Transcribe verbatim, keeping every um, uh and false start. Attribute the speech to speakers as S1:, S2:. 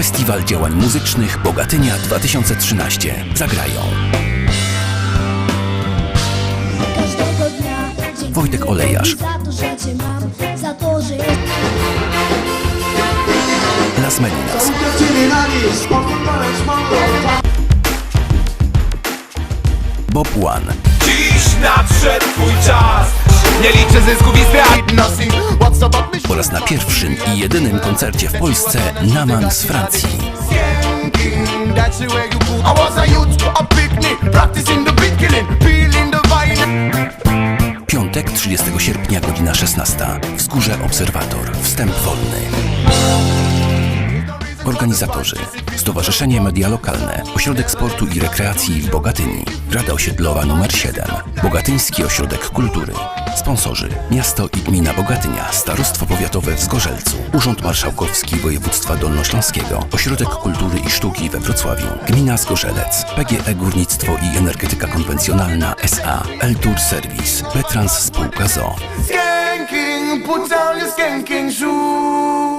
S1: Festiwal Działań Muzycznych Bogatynia dwa tysiące trzynaście. Zagrają Wojtek Olejarz, Las Melinas, Bob One
S2: Dziś nadszedł twój czas. Nie liczę zysków i strat.
S1: oraz na pierwszym i jedynym koncercie w Polsce Naman z Francji. Piątek, trzydziestego sierpnia, godzina szesnasta. Wzgórze Obserwator. Wstęp wolny. Organizatorzy: Stowarzyszenie Media Lokalne, Ośrodek Sportu i Rekreacji w Bogatyni, Rada Osiedlowa numer siedem, Bogatyński Ośrodek Kultury. Sponsorzy: Miasto i Gmina Bogatynia, Starostwo Powiatowe w Zgorzelcu, Urząd Marszałkowski Województwa Dolnośląskiego, Ośrodek Kultury i Sztuki we Wrocławiu, Gmina Zgorzelec, P G E Górnictwo i Energetyka Konwencjonalna S A, L-Tour Service, Petrans Spółka Z O O.
S2: Skanking, put down your skanking shoes.